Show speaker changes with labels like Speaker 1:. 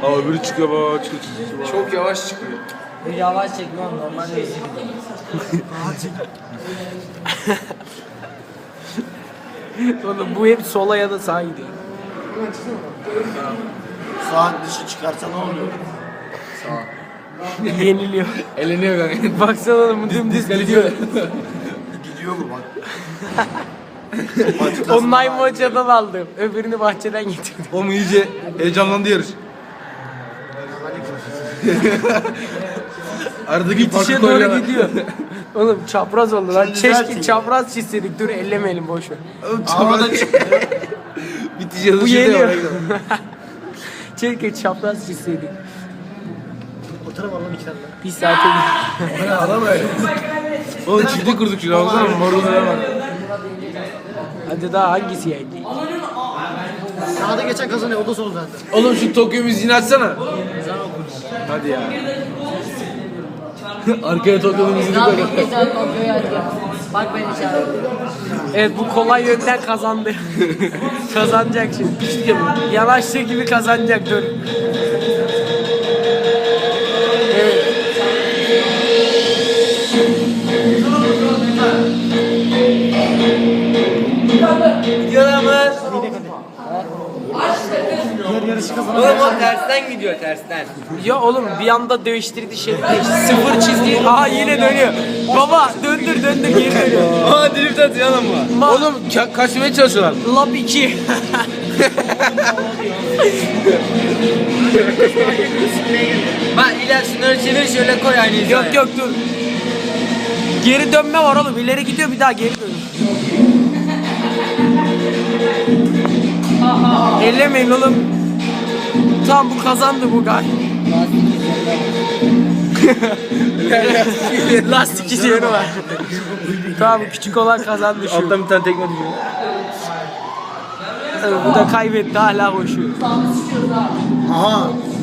Speaker 1: Aa öbürü çıkıyor baba çıkıyor.
Speaker 2: Çok yavaş çıkıyor.
Speaker 3: Yavaş çekmem normal hızlı gidiyor. Oğlum bu hep sola ya da sağa gidiyor.
Speaker 4: Saat dışı çıkarsa ne oluyor?
Speaker 3: Yeniliyor.
Speaker 2: Eleniyor kanka.
Speaker 3: Baksana oğlum dümdüz gidiyor.
Speaker 4: Gidiyor mu bak?
Speaker 3: Online maçadan aldım. Öbürünü bahçeden getirdim.
Speaker 1: Oğlum iyice heyecanlandı yarış. Aradaki
Speaker 3: Bitişe
Speaker 1: farkı
Speaker 3: doğru
Speaker 1: koyuyorlar.
Speaker 3: gidiyor. Oğlum çapraz oldu lan.
Speaker 4: Şimdi
Speaker 3: Keşke
Speaker 4: zaten-
Speaker 3: çapraz çizseydik. Dur ellemeyelim boş ver.
Speaker 4: Havada çıktı.
Speaker 1: Bitiş yazışı
Speaker 3: Bu
Speaker 1: diyor.
Speaker 3: yeniyor. Keşke çapraz çizseydik.
Speaker 4: Oturam Allah'ım 2 dakika.
Speaker 3: Bir saate
Speaker 1: Oğlum çifti kurduk şuna baksana marullara bak.
Speaker 3: Hadi daha hangisi yendi?
Speaker 4: Sağda geçen kazanıyor. O da son zaten.
Speaker 1: Oğlum şu Tokyo müziğini açsana. Hadi ya. Arkaya Tokyo müziğini koy.
Speaker 3: Bak ben işaret. Evet bu kolay yönden kazandı. Kazanacak şimdi. Yanaştığı gibi kazanacak dur. Evet.
Speaker 2: Gidiyorlar mı?
Speaker 4: Diğer yarışı kazanan.
Speaker 2: Oğlum o tersten gidiyor tersten.
Speaker 3: Ya oğlum bir anda değiştirdi şey. Sıfır çizdi. Aha yine dönüyor. Baba döndür geri dönüyor.
Speaker 1: Aa drift atıyor lan bu. Oğlum kaçmaya çalışıyorlar.
Speaker 3: Lap 2.
Speaker 2: Bak iler şunları çevir şöyle koy aynı hizaya.
Speaker 3: Yok dur. Geri dönme var oğlum. İleri gidiyor bir daha geri dönüyor. Ellemeyin oğlum. Tamam bu kazandı bu gay. Lastik izleyeni var. Tamam küçük olan kazandı şu.
Speaker 1: Alttan bir tane tekme düşüyor.
Speaker 3: Bu da kaybetti hala koşuyor.
Speaker 4: Aha.